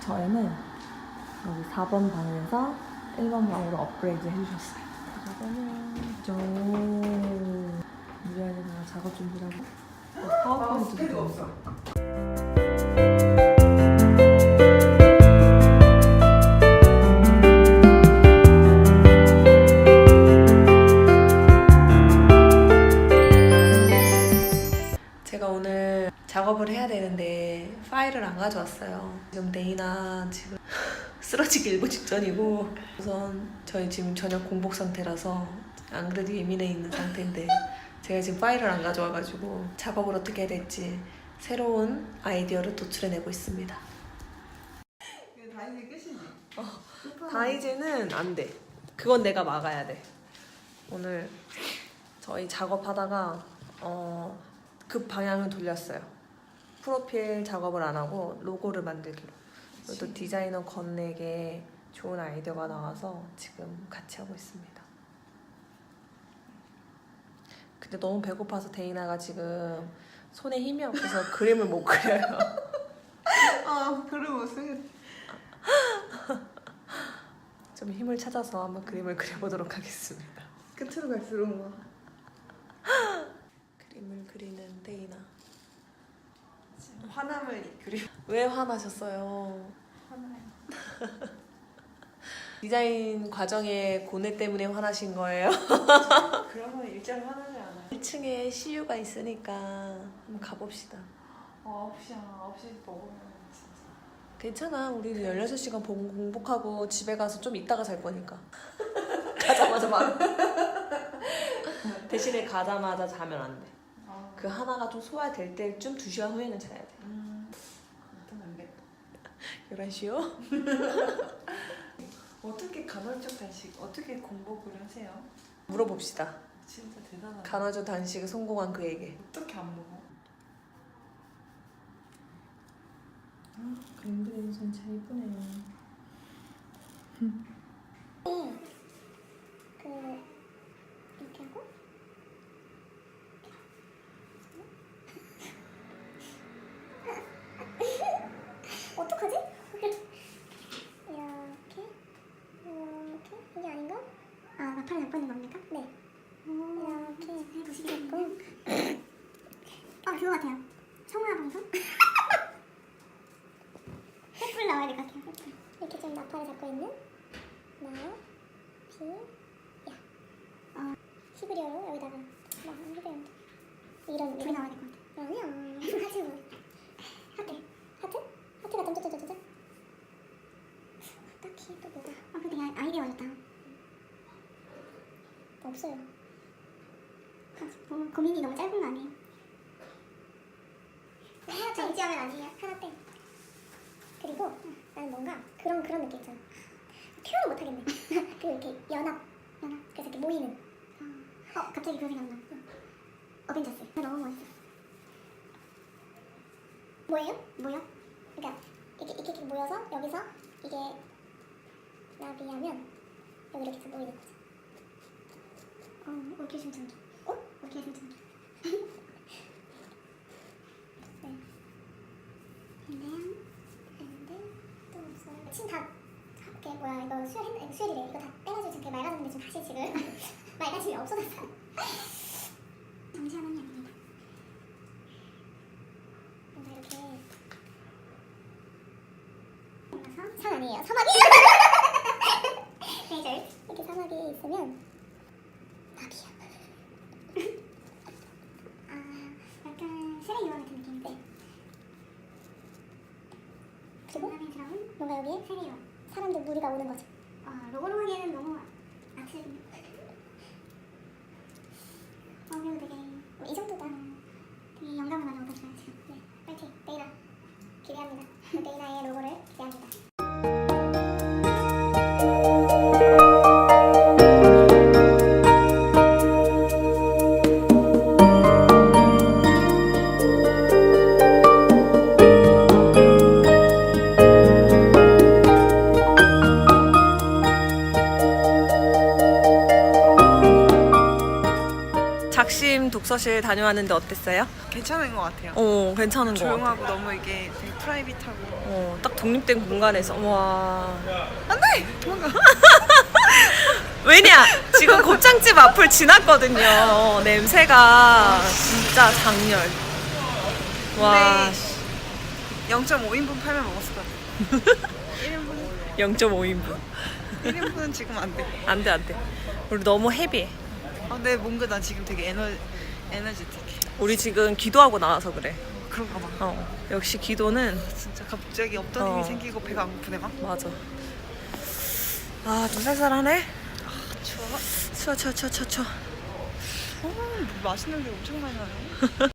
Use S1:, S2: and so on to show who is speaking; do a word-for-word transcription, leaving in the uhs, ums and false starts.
S1: 저희는 여기 사 번 방에서 일 번 방으로 업그레이드 해주셨어요. 작업은 저 무리하게다가 작업 준비하고 파워포인트도 아, 없어. 제가 오늘 작업을 해야 되는데 파일을 안 가져왔어요. 지금 데이나 지금 쓰러지기 일보 직전이고, 우선 저희 지금 저녁 공복 상태라서 안 그래도 예민해 있는 상태인데 제가 지금 파일을 안 가져와가지고 작업을 어떻게 해야 될지 새로운 아이디어를 도출해내고 있습니다.
S2: 다이제 끝이지?
S1: 어, 다이제는 안 돼. 그건 내가 막아야 돼. 오늘 저희 작업하다가 어, 급 방향을 돌렸어요. 프로필 작업을 안 하고 로고를 만들기로. 또 디자이너 건에게 좋은 아이디어가 나와서 지금 같이 하고 있습니다. 근데 너무 배고파서 데이나가 지금 손에 힘이 없어서 그림을 못 그려요.
S2: 아, 그림 못 쓰겠다.
S1: 좀 힘을 찾아서 한번 그림을 그려보도록 하겠습니다.
S2: 끝으로 갈수록 막
S1: 그림을 그리는 데이나.
S2: 화남을 그리.
S1: 왜 화나셨어요?
S2: 화나요.
S1: 디자인 과정의 고뇌 때문에 화나신 거예요?
S2: 그러면 일자로 화나지 않아요.
S1: 일 층에 씨유가 있으니까 한번 가봅시다.
S2: 어, 아홉 시야. 아홉 시 먹으면 진짜.
S1: 괜찮아. 우리 열여섯 시간 공복하고 집에 가서 좀 있다가 잘 거니까. 가자마자 막. 대신에 가자마자 자면 안 돼.
S2: 아,
S1: 그 하나가 좀 소화될 때쯤 두 시간 후에는 자야 돼.
S2: 음, 일단 안 돼.
S1: 열한 시요?
S2: 어떻게 간헐적 단식, 어떻게 공복을 하세요?
S1: 물어봅시다.
S2: 진짜 대단하다.
S1: 간헐적 단식에 성공한 그에게.
S2: 어떻게 안 먹어?
S1: 아, 그림 그리는 진짜 예쁘네요.
S3: 그 이렇게 하고 어떡하지? 이렇게 이렇게 이게 아닌가? 아, 나팔을 잡고 있는 겁니까? 네. 이렇게 해보시겠고. 아, 그거 같아요. 성화 방송? 횃불 나와야 될 것 같아요. 횃불. 이렇게 좀 나팔을 잡고 있는 나, 비, 야. 어, 히브리어로 여기다가 막 히브리어인데 이런 둘이 나와야 될 것 같아. 아니야. 하지 뭐. 하트. 하트? 하트가 점점점점점. 딱히 또 뭐가? 아, 근데 그냥 아이디어 어렵다. 없어요. 아, 뭐, 고민이 너무 짧은 거 아니에요? 하나 더 유지하면 아니에요. 하나 땡. 그리고 나는 뭔가 그런 그런 느낌 있잖아. 표현을 못 하겠네. 그 이렇게 연합, 연합. 그래서 이렇게 모이는. 어, 갑자기 그 생각나. 어벤져스. 너무 멋있어. 뭐예요? 뭐요? 그러니까 이렇게 이렇게, 이렇게 모여서 여기서 이게 나비하면 여기 이렇게 해서 모이는 거지. 어, 올케 심청기. 어? 올케 심청기. 네. 근데 근데 또 없어요. 침 다 이렇게 뭐야 이거 수혈했 이거 수혈이래. 이거 다 빼가지고 지금 맑아졌는데 지금 다시 지금 맑아짐이 없어졌어. 잠시만요. 뭔가 이렇게 올라서 산 아니에요. 사막이. 레이저 이렇게 사막이 있으면 나비야. 아, 약간 세례요원 같은 느낌인데. 그리고 뭔가 여기에 세례요원 사람들 무리가 오는 거죠. 아, 로고로 하기에는 너무 아트. 어, 그리고 되게 뭐 이 정도다. 되게 영감을 많이 얻었어요 지금. 네, 파이팅. 데이나 기대합니다. 데이나의 로고를 기대합니다.
S1: 독서실 다녀왔는데 어땠어요?
S2: 괜찮은 것 같아요.
S1: 어, 괜찮은 거 같아.
S2: 조용하고 너무 이게 되게 프라이빗하고.
S1: 어, 딱 독립된 공간에서 와.
S2: 안돼 도망가.
S1: 왜냐? 지금 곱창집 앞을 지났거든요. 냄새가 진짜 장렬. 와.
S2: 네. 영 점 오 인분 팔면 먹었을 것 같아. 일 인분
S1: 영 점 오 인분.
S2: 일 인분은 지금 안 돼.
S1: 안 돼, 안 돼. 우리 너무 헤비해.
S2: 아, 네 뭔가 나 지금 되게 에너 에너지틱해.
S1: 우리 지금 기도하고 나와서 그래.
S2: 그런가 봐.
S1: 어. 역시 기도는
S2: 진짜 갑자기 없던
S1: 어.
S2: 힘이 생기고 배가 안 고프네 막.
S1: 맞아. 아, 좀 쌀쌀하네.
S2: 추워.
S1: 추워, 추워, 추워, 추워, 추워.
S2: 어, 뭐 맛있는 게 엄청 많이 나요.